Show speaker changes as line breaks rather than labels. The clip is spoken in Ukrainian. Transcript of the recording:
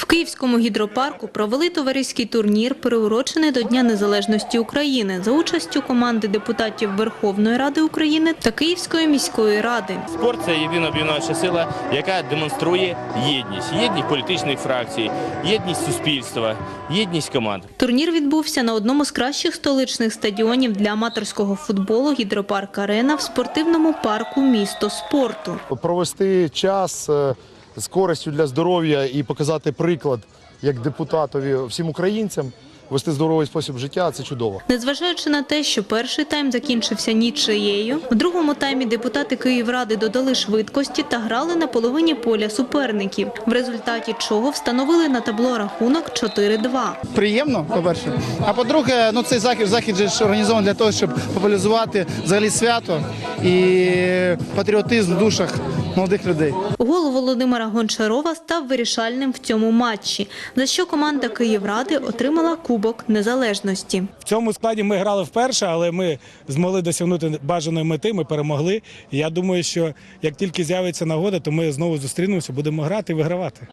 В Київському гідропарку провели товариський турнір, приурочений до Дня Незалежності України, за участю команди депутатів Верховної Ради України та Київської міської ради.
Спорт – це єдина об'єднуюча сила, яка демонструє єдність. Єдність політичних фракцій, єдність суспільства, єдність команд.
Турнір відбувся на одному з кращих столичних стадіонів для аматорського футболу «Гідропарк-Арена» в спортивному парку «Місто спорту».
Провести час з користю для здоров'я і показати приклад як депутатові всім українцям, вести здоровий спосіб життя – це чудово.
Незважаючи на те, що перший тайм закінчився нічиєю, в другому таймі депутати Київради додали швидкості та грали на половині поля суперників, в результаті чого встановили на табло рахунок 4-2.
Приємно, по-перше. А по-друге, цей захід же ж організований для того, щоб популяризувати взагалі свято і патріотизм в душах молодих людей.
Гол Володимира Гончарова став вирішальним в цьому матчі, за що команда Київради отримала Кубок Незалежності.
В цьому складі ми грали вперше, але ми змогли досягнути бажаної мети, ми перемогли. І я думаю, що як тільки з'явиться нагода, то ми знову зустрінемося, будемо грати і вигравати.